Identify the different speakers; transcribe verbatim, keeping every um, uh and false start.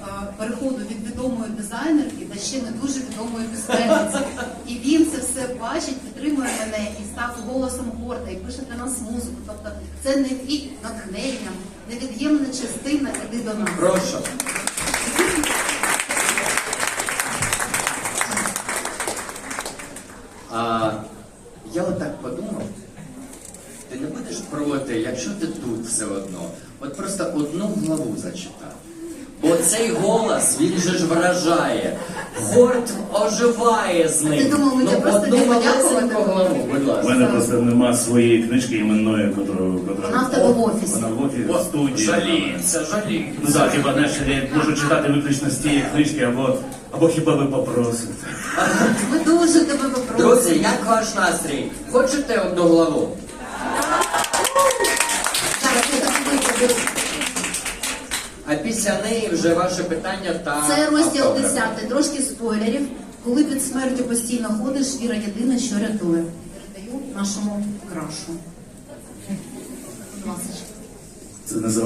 Speaker 1: переходу від відомої дизайнерки до ще не дуже відомої письменниці. І він це все бачить, підтримує мене і став голосом гурту, і пише для нас музику. Тобто це не від натхнення, невід'ємна частина «Іди до нас».
Speaker 2: Прошу. А, я отак подумав, ти не будеш проти, якщо ти тут все одно, от просто одну главу зачитай. Бо цей голос, він же ж вражає. Гурт оживає з ним.
Speaker 1: Ти думав, мені
Speaker 2: ну,
Speaker 1: просто
Speaker 2: одну
Speaker 1: не
Speaker 2: малесеньку
Speaker 1: подякувати?
Speaker 2: главу, будь
Speaker 3: У
Speaker 2: ласка.
Speaker 3: мене просто нема своєї книжки іменної, котру...
Speaker 1: Вона в тебе в офісі.
Speaker 3: Вона в офісі, в студії.
Speaker 2: Жаліється, жаліється.
Speaker 3: Ну так, хіба не що я можу читати виключно з тієї книжки, або, або хіба ви попросите.
Speaker 1: Ми дуже тебе попросимо.
Speaker 2: Друзі, як ваш настрій? Хочете одну главу?
Speaker 1: Зараз я так викладу.
Speaker 2: А після неї вже ваше питання та
Speaker 1: Це розділ
Speaker 2: автограф.
Speaker 1: десятий, трошки спойлерів. Коли під смертю постійно ходиш, віра єдина, що рятує. Передаю нашому крашу. Будь ласка.
Speaker 3: Це називається